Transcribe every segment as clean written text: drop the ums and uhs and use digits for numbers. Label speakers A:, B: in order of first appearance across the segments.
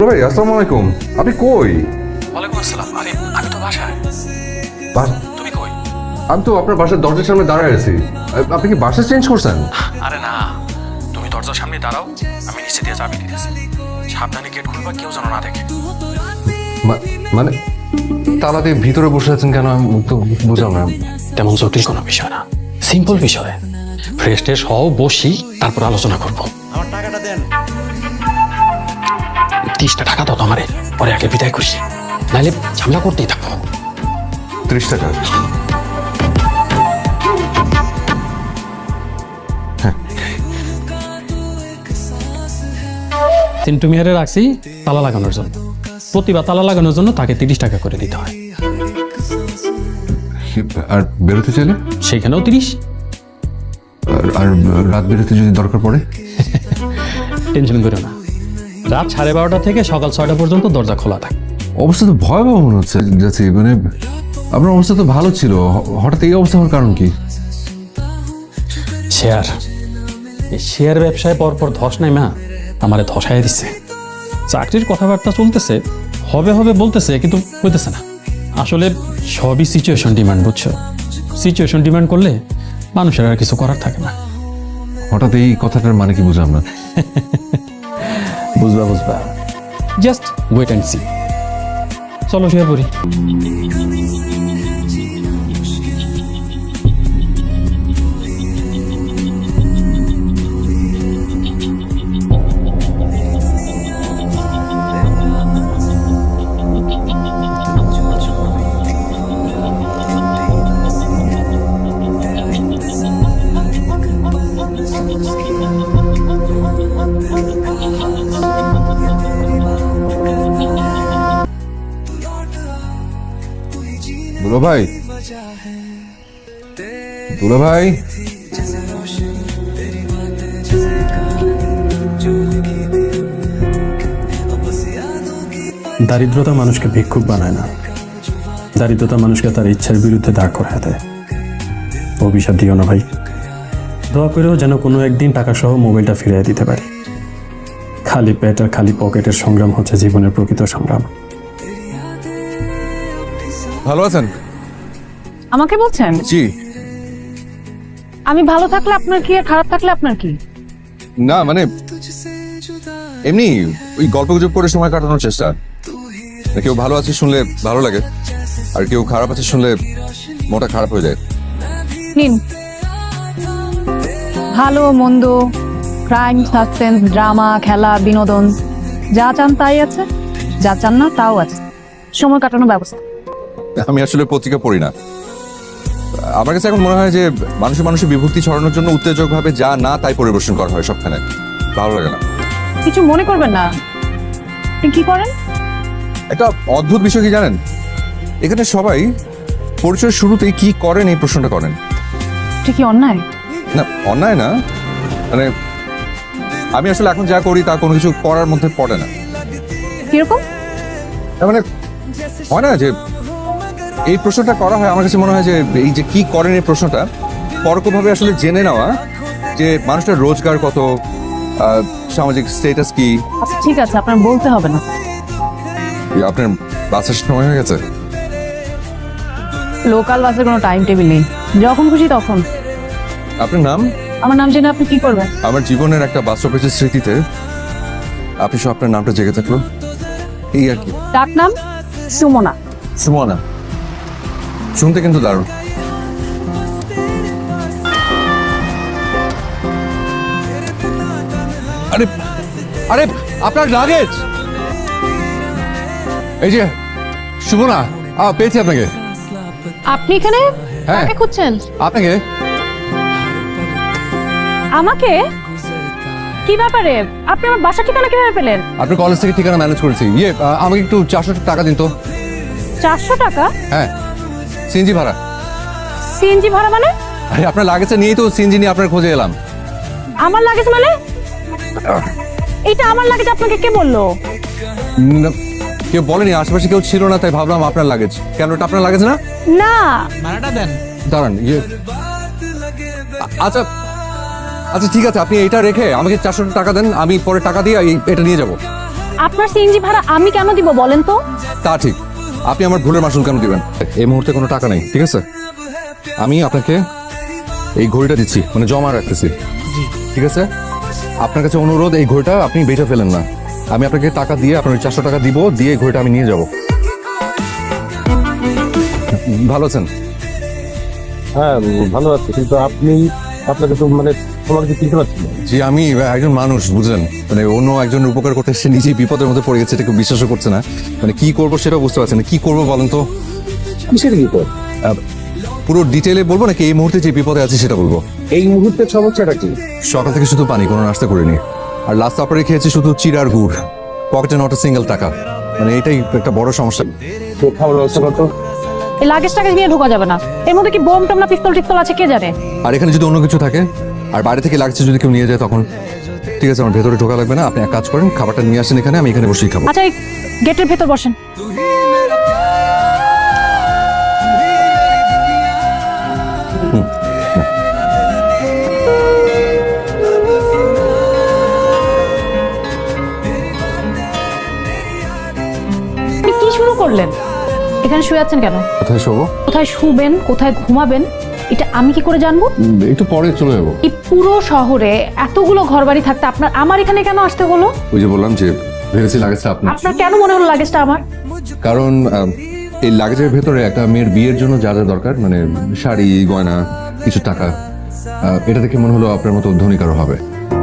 A: ভাই আসসালামু আলাইকুম, আপনি কই?
B: ওয়ালাইকুম আসসালাম। আরে আমি তো বাসায়। তুমি কই?
A: আমি তো আপনার বাসার দরজার সামনে দাঁড়ায় আছি। আপনি কি বাসা চেঞ্জ করছেন?
B: আরে না, তুমি দরজার সামনে দাঁড়াও, আমি নিচে দিয়ে চাবি দিতেছি। সাবধানে গেট খুলবা, কেউ যেন না দেখে।
A: মানে তালা দিয়ে ভিতরে বসে আছেন কেন? আমি তো বুঝলাম না।
B: তেমন জটিল কোনো বিষয় না, সিম্পল বিষয়। ফ্রেশ ট্রেশ হও, বসি, তারপর আলোচনা করবো।
C: আমার টাকাটা দেন।
B: 30টা টাকা দাও তো আমারে, পরে আগে বিদায় করি, নাহলে ঝামেলা করতেই থাকবো।
A: 30 টাকা?
B: চিন্টু মিয়ারে রাখছি তালা লাগানোর জন্য। প্রতিবার তালা লাগানোর জন্য তাকে 30 টাকা করে দিতে হয়।
A: আর বেরোতে চাইলে?
B: সেখানেও 30।
A: আর রাত বেরোতে যদি দরকার পড়ে?
B: টেনশন করো না, রাত 12:30 থেকে সকাল 6টা পর্যন্ত দরজা খোলা থাকে।
A: অবস্থা তো ভয়াবহ মনে হচ্ছে যাচ্ছি। মানে আপনার অবস্থা তো ভালো ছিল, হঠাৎ এই অবস্থা হওয়ার কারণ কি?
B: শেয়ার, এই শেয়ার ব্যবসায় পরপর ধস নাই মা, আমারে ধসাই দিচ্ছে। চাকরির কথাবার্তা চলতেছে, হবে হবে বলতেছে, কিন্তু হইতেছে না। আসলে সবই সিচুয়েশন ডিমান্ড, বুঝছো? সিচুয়েশন ডিমান্ড করলে মানুষের আর কিছু করার থাকে না।
A: হঠাৎ এই কথাটার মানে কি বুঝলাম না।
B: বুঝবা বুঝবা, জাস্ট ওয়েট অ্যান্ড সি। চলো শুয়ে পড়ি।
A: দুলা ভাই, দুলা ভাই,
D: দারিদ্রতা মানুষকে ভিক্ষুক বানায় না, দারিদ্রতা মানুষকে তার ইচ্ছার বিরুদ্ধে দাঁড় করায় দেয়। অভিশাপ দিও না ভাই, দোয়া করেও যেন কোনো একদিন টাকা সহ মোবাইলটা ফিরিয়ে দিতে পারি। খালি পেট আর খালি পকেটের সংগ্রাম হচ্ছে জীবনের প্রকৃত সংগ্রাম।
A: ভালো আছেন?
E: আমাকে বলছেন?
A: জি।
E: আমি ভালো থাকলে আপনার কি, আর খারাপ থাকলে আপনার কি?
A: না মানে এমনি ওই গল্প গুজব করে সময় কাটানোর চেষ্টা। কেউ ভালো আছে শুনলে ভালো লাগে, আর কেউ খারাপ আছে শুনলে মনটা খারাপ হয়ে যায়।
E: নিন, ভালো মন্দ, ক্রাইম, সাসপেন্স, ড্রামা, খেলা, বিনোদন, যা চান তাই আছে, যা চান না তাও আছে। সময় কাটানোর ব্যবস্থা।
A: আমি আসলে পত্রিকা পড়ি না। আমার কাছে এখন মনে হয় যে মানুষের বিভক্তি ছড়ানোর জন্য উত্তেজক ভাবে যা না তাই পরিবেশন করা হয় সবখানে। ভালো লাগে না।
E: কিছু মনে করবেন না। আপনি কি করেন?
A: একটা অদ্ভুত বিষয় কি জানেন, এখানে সবাই পরিচয়ের শুরুতেই কি করেন এই প্রশ্নটা করেন।
E: এটা কি অন্যায়?
A: না, অন্যায় না, মানে আমি আসলে এখন যা করি তা কোনো কিছু করার মধ্যে পড়ে না।
E: কিরকম?
A: তার মানে হয় না যে এই প্রশ্নটা করা হয়, আমার কাছে মনে হয় যে এই যে কি করেন এই প্রশ্নটা পরোক্ষভাবে আসলে জেনে নেওয়া যে মানুষটার রোজগার কত, সামাজিক স্ট্যাটাস কি।
E: আচ্ছা ঠিক আছে, আপনার বলতে হবে না।
A: আপনার বাসের সময় হয়ে গেছে?
E: লোকাল বাসের কোনো টাইম টেবিল নেই, যখন খুশি তখন।
A: আপনার নাম?
E: আমার নাম জেনে আপনি কি করবেন?
A: আমার জীবনের একটা বাস স্টপেজের স্মৃতিতে আপনি সব আপনার নামটা জেগে থাকলো, এই আর কি।
E: ডাক নাম সুমনা।
A: সুমনা, শুনতে কিন্তু দারুণ। আরে আরে আপনার লাগেজ এই যে। সুমনা, পেয়েছি আপনাকে।
E: আপনি এখানে?
A: হ্যাঁ।
E: কাকে খুঁজছেন?
A: আপনাকে।
E: আমাকে? কি ব্যাপারে? আপনি আমার বাসা ঠিকানা কিভাবে পেলেন?
A: আপনার কলেজ থেকে ঠিকানা ম্যানেজ করেছি। আমাকে একটু 400 টাকা দিন তো।
E: 400 টাকা?
A: হ্যাঁ, সিএনজি ভাড়া।
E: সিএনজি ভাড়া মানে?
A: আরে আপনার লাগেজটা নিয়েই তো সিএনজি নিয়ে আপনার খোঁজে এলাম।
E: আমার লাগেজ মানে? এটা আমার লাগেজ আপনাকে কে বললো?
A: না, কেউ বলেনি, আশেপাশে কেউ ছিল না, তাই ভাবলাম আপনার লাগেজ। কেন, এটা আপনার লাগেজ না?
E: না।
C: ভাড়াটা দেন।
A: দাঁড়ান, আচ্ছা আচ্ছা ঠিক আছে, আপনি এটা রেখে আমাকে 400 টাকা দেন, আমি পরে টাকা দিয়ে এটা নিয়ে যাব।
E: আপনার সিএনজি ভাড়া আমি কেন দিব বলেন তো?
A: তা ঠিক, আপনি আমার ভুলের মাসুল কেন দিবেন? এই মুহূর্তে কোনো টাকা নেই, ঠিক আছে? আমি আপনাকে এই ঘড়িটা দিচ্ছি, মানে জমা রাখতেছি, ঠিক আছে? আপনার কাছে অনুরোধ, এই ঘড়িটা আপনি বেচে ফেলেন না। আমি আপনাকে টাকা দিয়ে, আপনার 400 টাকা দিব, দিয়ে এই ঘড়িটা আমি নিয়ে যাব। ভালো আছেন?
C: হ্যাঁ ভালো আছে, কিন্তু আপনাকে তো মানে তোমাকে তো চিনতে পারছি না।
A: জি, আমি একজন মানুষ, বুঝলেন, মানে অন্য একজনের উপকার করতে এসে নিজেই বিপদের মধ্যে পড়ে গেছে, এটা কেউ বিশ্বাসও করছে না। মানে কি করবো সেটাও বুঝতে পারছেন না। কি করবো বলেন তো?
C: কিসের বিপদ?
A: পুরো ডিটেলে বলবো নাকি এই মুহূর্তে যে বিপদে আছি সেটা বলবো?
C: এই মুহূর্তের সমস্যাটা কি?
A: সকাল থেকে শুধু পানি, কোনো নাস্তা করিনি, আর লাস্ট সাপারে খেয়েছি শুধু চিড়ার গুড়, পকেটে নট সিঙ্গেল টাকা। মানে এটাই একটা বড় সমস্যা।
C: তো খাওয়ার ব্যবস্থা করতো।
E: এই লাগেজটাকে নিয়ে ঢোকা যাবে না, এর মধ্যে কি বোম টম না পিস্তল টিস্তল আছে কে জানে।
A: আর এখানে যদি অন্য কিছু থাকে আর বাইরে থেকে লাগছে যদি কেউ নিয়ে যায় তখন? ঠিক আছে, আমার ভেতরে ঢোকা লাগবে না, আপনি এক কাজ করেন, খাবারটা নিয়ে আসেন এখানে, আমি এখানে বসেই খাবো।
E: আচ্ছা এই গেটের ভেতর বসেন। আপনি কি শুরু করলেন? এখানে শুয়ে আছেন কেন?
A: কোথায় শোবো?
E: কোথায় শুবেন, কোথায় ঘুমাবেন, এটা আমি কি করে জানবো?
A: একটু পরে চলে যাবো।
E: এই পুরো শহরে এতগুলো ঘরবাড়ি থাকতে আমার এখানে কেন আসতে হলো?
A: ওই যে বললাম যে ভেবেছি লাগেজটা আপনার।
E: আপনার কেন মনে হলো লাগেজটা আমার?
A: কারণ এই লাগেজের ভেতরে একটা মেয়ের বিয়ের জন্য যা যা দরকার, মানে শাড়ি, গয়না, কিছু টাকা, এটা দেখে মনে হলো আপনার মতো ধনী কারো হবে।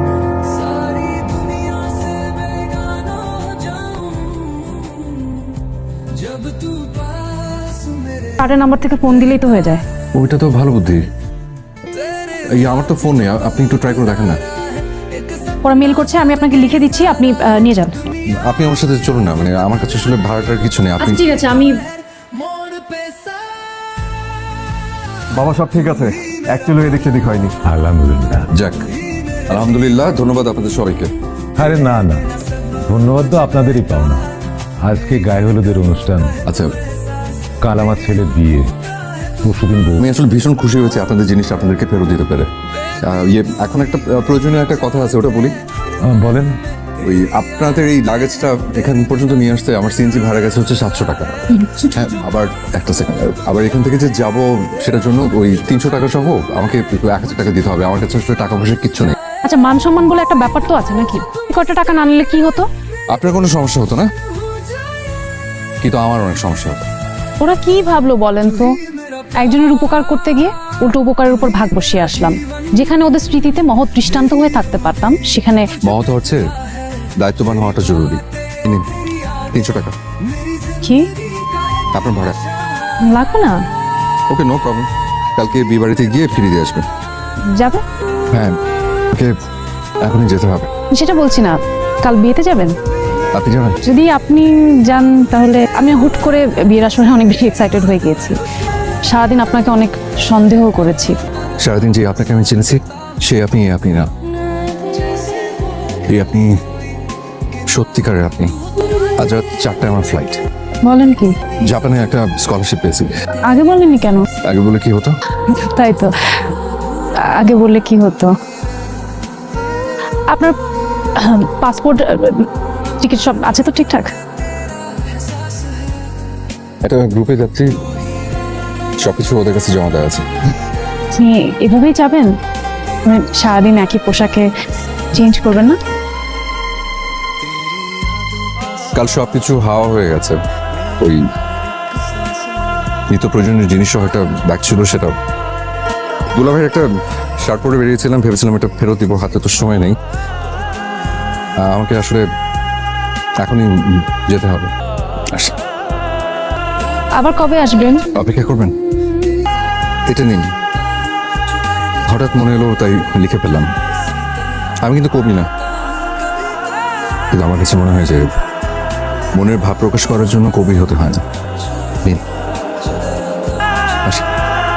E: কার্ডের নাম্বার থেকে ফোন দিলেই তো হয়ে যায়।
A: ওইটা তো ভালো বুদ্ধি। এই আমার তো ফোন নেই, আপনি একটু ট্রাই করে দেখেন না।
E: ওরা মেল করছে, আমি আপনাকে লিখে দিচ্ছি, আপনি নিয়ে যান।
A: আপনি আমার সাথে চলুন না, মানে আমার কাছে আসলে ভাড়াটার কিছু নেই। আপনি
E: আচ্ছা ঠিক আছে, আমি
F: বাবা সব ঠিক আছে, অ্যাকচুয়ালি এদিক সেদিক হয়নি।
C: আলহামদুলিল্লাহ।
A: যাক, আলহামদুলিল্লাহ, ধন্যবাদ আপনাদের সবাইকে।
C: আরে না না, ধন্যবাদ তো আপনাদেরই পাওনা। আজকে গায়ে হলুদের অনুষ্ঠান,
A: আচ্ছা,
C: কাল আমার ছেলের বিয়ে, পরশুদিন বউ।
A: আমি আসলে ভীষণ খুশি হয়েছি আপনাদের জিনিসটা আপনাদেরকে ফেরত দিতে পেরে। এখন একটা প্রয়োজনীয় একটা কথা আছে, ওটা বলি।
C: বলেন।
A: ওই আপনাদের এই লাগেজটা এখান পর্যন্ত নিয়ে আসতে আমার সিএনজি ভাড়া গেছে হচ্ছে 700 টাকা। হ্যাঁ, আবার একটা সেকেন্ড, আবার এখান থেকে যে যাব সেটার জন্য ওই 300 টাকা সহ আমাকে 1000 টাকা দিতে হবে। আমার কাছে আসলে টাকা পয়সা কিচ্ছু নেই।
E: আচ্ছা, মান সম্মান বলে একটা ব্যাপার তো আছে নাকি? কত টাকা না নিলে কি হতো?
A: আপনার কোনো সমস্যা হতো না, কিন্তু আমার অনেক সমস্যা হতো।
E: ওরা কি ভাবলো বলেন তো? একজনের উপকার করতে গিয়ে উল্টো উপকারের উপর ভাগ বসিয়ে আসলাম। যেখানে ওদের স্মৃতিতে মহৎ দৃষ্টান্ত হয়ে থাকতে পারতাম, সেখানে
A: মহৎ হচ্ছে দায়িত্ববান হওয়াটা জরুরি। নিন 300 টাকা
E: কি
A: আপনার ভাড়া।
E: লাগবে না?
A: Okay, no problem. কালকে বিয়ে বাড়িতে গিয়ে ফিরে দিয়ে আসবেন।
E: যাবে?
A: হ্যাঁ, ওকে এখনই যেতে হবে।
E: সেটা বলছি না, কাল বিয়েতে যাবেন?
A: আপনি যাবেন?
E: যদি আপনি যান তাহলে আমি হুট করে বিয়ের আসরে অনেক বেশি এক্সাইটেড হয়ে গিয়েছি। সারাদিন আপনাকে অনেক সন্দেহ করেছি।
A: সারাদিন যে আপনাকে আমি চিনেছি সে আপনি না, এই আপনি সত্যিকারের আপনি। আজ রাত 4টায় আমার ফ্লাইট।
E: বলেন কি?
A: জাপানে একটা স্কলারশিপ পেয়েছি।
E: আগে বলেননি কেন?
A: আগে বলে কি হতো?
E: তাই তো, আগে বললে কি হতো? আপনার পাসপোর্ট, টিকিট সব আছে তো ঠিকঠাক?
A: একটা গ্রুপে যাচ্ছি, সবকিছু ওদের কাছে জমা দেওয়া আছে।
E: আপনি এভাবেই যাবেন? মানে সারাদিন একই পোশাকে চেঞ্জ করবেন না?
A: কাল সবকিছু হাওয়া হয়ে গেছে। ওই নিত্য প্রয়োজনীয় জিনিস সহ একটা ব্যাগ ছিল, সেটা দুলাভাইয়ের একটা শার্ট পরে বেরিয়েছিলাম, ভেবেছিলাম এটা ফেরত দিব, হাতে তো সময় নেই। আমাকে আসলে এখনই যেতে হবে। আসি।
E: আবার কবে আসবেন?
A: অপেক্ষা করবেন? এটা নিন, হঠাৎ মনে এলো তাই লিখে ফেললাম। আমি কিন্তু কবি না, কিন্তু আমার কাছে মনে হয় যে মনের ভাব প্রকাশ করার জন্য কবি হতে হয় না। নিন। আসি।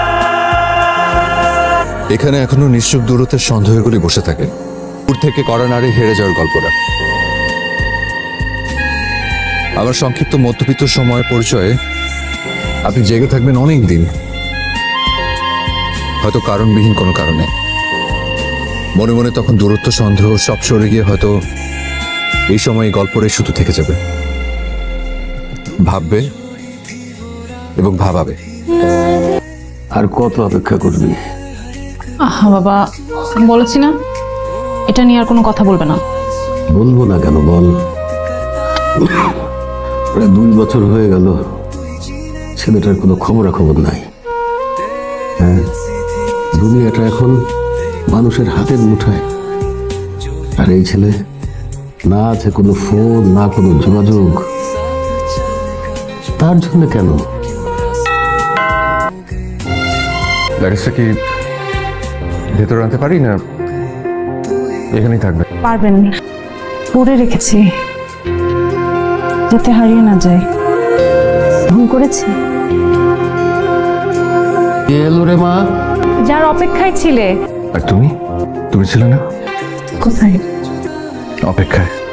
A: এখানে এখনো নিশ্চুপ দূরত্বের সন্দেহগুলি বসে থাকে, দূর থেকে করা নারী হেরে যাওয়ার গল্পটা। আমার সংক্ষিপ্ত মধ্যবিত্ত সময়ের পরিচয়ে আপনি জেগে থাকবেন অনেক দিন, হয়তো কারণবিহীন কোনো কারণে। মনে মনে তখন দূরত্ব, সন্দেহ সব সরে গিয়ে হয়তো এই সময় এই গল্পটাই শুধু থেকে যাবে, ভাববে এবং ভাবাবে।
G: আর কত অপেক্ষা করবি?
E: আহা বাবা, বলেছি না এটা নিয়ে আর কোনো কথা বলবে না।
G: বলবো না কেন বল। প্রায় 2 বছর হয়ে গেল, ছেলেটার কোনো খবরাখবর নাই। হ্যাঁ, দুনিয়াটা এখন মানুষের হাতের মুঠায়, আর এই ছেলে না আছে কোনো ফোন, না কোনো যোগাযোগ। তার জন্য কেন?
A: লাগেজটা কি ভেতরে আনতে পারি না এখানেই থাকবে?
E: পারবেন, পরে রেখেছি যাতে হারিয়ে না যায়। ভুল করেছি।
G: কে এলো রে মা?
E: যার অপেক্ষায় ছিলে।
A: আর তুমি ছিলে না
E: কোথায়?
A: অপেক্ষায়?